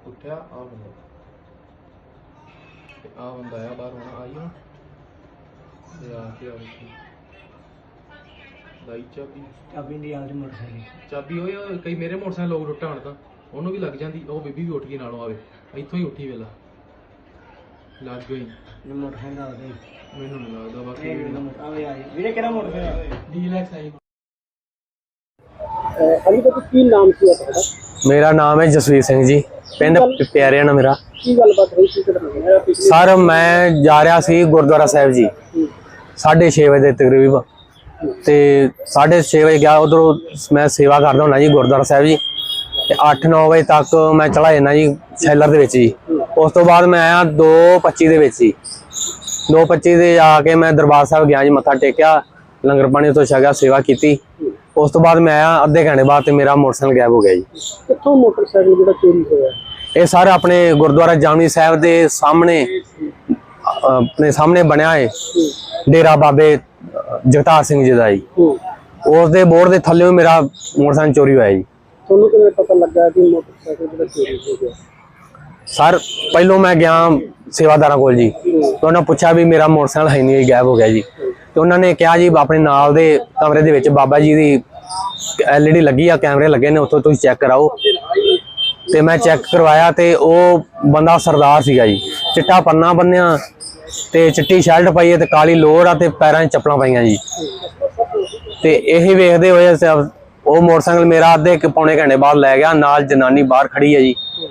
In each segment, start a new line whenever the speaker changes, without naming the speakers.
उठा आ बंदा आया बाहर होना आई ना आके लाई चाबी
चाबी नहीं यार मोटरसाइकिल
चाबी हो कई मेरे मोटरसाइकिल लोग रुट्टा आण तां ਉਹਨੂੰ ਵੀ ਲੱਗ ਜਾਂਦੀ ਉਹ ਬੀਬੀ ਵੀ ਉੱਠ ਗਈ ਨਾਲੋਂ ਆਵੇ ਇੱਥੋਂ ਹੀ ਉੱਠੀ ਵੇਲਾ ਲੱਗ ਗਈ
मोटरसाइकिल आ गई
ਮੈਨੂੰ ਨਹੀਂ ਲੱਗਦਾ ਬਾਕੀ
आवे आ ਵੀਰੇ ਕਿਹੜਾ मोटरसाइकिल
ਡੀਲੈਕਸ ਆਈ
ਅਲੀ ਦਾ ਕੀ ਨਾਮ ਸੀ ਤੁਹਾਡਾ?
मेरा नाम है जसवीर सिंह जी पिंड प्यारियाना मेरा।
ਕੀ ਗੱਲਬਾਤ ਹੋਈ ਸੀ ਕਿਹੜਾ
सर मैं जा रहा सी गुरुद्वारा साहिब जी 6:30 बजे तकरीबन ते 6:30 बजे गया उधरों मैं सेवा करदा हुंदा जी गुरुद्वारा साहिब जी ते 8-9 बजे तक मैं चला जाना जी शैलर दे विच जी। उस तो बाद मैं आया 2:25 दे विच जी 2:25 ਦੇ आके मैं दरबार साहिब गया जी मत्था टेकिया लंगर पानी तो छकिया सेवा की। उस तो बाद मैं आया अद्धे घंटे बाद ते मेरा मोटरसाइकिल गायब हो गया जी।
ਕਿੱਥੋਂ ਮੋਟਰਸਾਈਕਲ ਜਿਹੜਾ ਚੋਰੀ ਹੋਇਆ?
ये सारे अपने गुरुद्वारा जामनी साहब के सामने अपने सामने बनया है डेरा बाबे जगतार सिंह जी का जी। उस बोर्ड के थल्ले मेरा मोटरसाइकिल चोरी हुआ जी।
ਤੁਹਾਨੂੰ ਕਿਵੇਂ ਪਤਾ ਲੱਗਾ ਕਿ ਮੋਟਰਸਾਈਕਲ ਜਿਹੜਾ ਚੋਰੀ ਹੋ ਗਿਆ?
सर पहलों मैं गया सेवादारा कोल जी तो उन्होंने पूछा भी मेरा मोटरसाइकिल है नहीं गायब हो गया जी। तो उन्होंने कहा जी अपने नाल दे कमरे दे विच बाबा जी की LED लगी आ कैमरे लगे ने उत्थों तुसीं चेक कराओ। ते मैं चेक करवाया ते वो बंदा सरदार सीगा जी चिट्टा पन्ना बन्निया ते चिट्टी शर्ट पाई है ते काली लोर आ ते पैरां च चप्पलां पाईयां जी। ते यही वेखदे होए वो मोटरसाइकिल मेरा अद्धे पौने घंटे बाद लै गया नाल जनानी बाहर खड़ी है जी।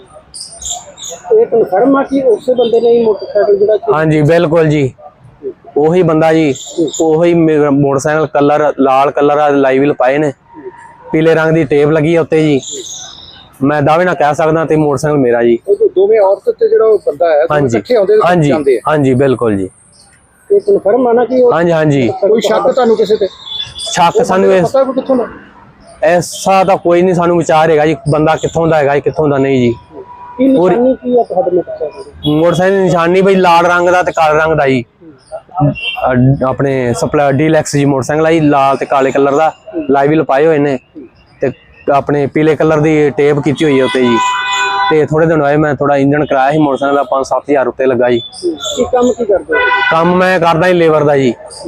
ਇਹ ਕਨਫਰਮ ਆ ਕਿ ਉਸੇ ਬੰਦੇ ਨੇ ਹੀ ਮੋਟਰਸਾਈਕਲ ਜਿਹੜਾ
हाँ जी बिल्कुल जी ਉਹੀ ਬੰਦਾ ਜੀ ਉਹੀ मोटरसाइकिल कलर लाल कलर लाइविल पाए ने पीले रंग की टेप लगी है उत्ते जी। मैं दावे ना कह सकदा ते मोटरसाइकिल मेरा जी।
ਉਹ ਦੋਵੇਂ ਔਰਤ ਤੇ ਜਿਹੜਾ ਉਹ ਬੰਦਾ ਹੈ
हाँ जी हाँ जी हाँ जी बिल्कुल जी।
ਇਹ ਕਨਫਰਮ ਆ ਨਾ ਕਿ
हाँ जी हाँ जी
ਕੋਈ ਸ਼ੱਕ ਤੁਹਾਨੂੰ ਕਿਸੇ ਤੇ?
शक सानू
ਪਤਾ ਕੋਈ ਕਿੱਥੋਂ ਦਾ?
ऐसा तो कोई नहीं सानू विचार है जी बंदा कित्थों दा है कित्थों दा नहीं जी।
ਕੀ ਨਿਸ਼ਾਨੀ ਕੀ ਆ ਤੁਹਾਡੇ ਮੋਟਰਸਾਈਕਲ?
मोटरसाइकिल निशानी भाई लाल रंग दा ते काले रंग दा जी। अपने सप्लाई डीलैक्स जी मोटरसाइकिल आई लाल ते काले कलर दा लाइव लपाए हुए ने ते अपने पीले कलर दी टेप कीती हुई है उत्ते जी। ते थोड़े दिन होए मैं थोड़ा इंजन कराया ही मोटरसाइकिल दा 5-7 हज़ार उत्ते लगा जी।
ਕੀ ਕੰਮ ਕੀ ਕਰਦੇ ਹੋ?
काम मैं करदा ही लेबर दा जी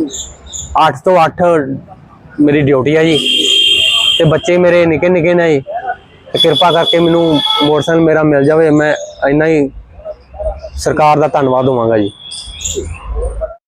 8 तो 8 मेरी ड्यूटी है जी। ते बच्चे मेरे निके निके ने जी ते कृपा करके मैनू मोटरसाइकिल मेरा मिल जाए मैं इन्ना ही सरकार दा धन्नवाद होवांगा जी।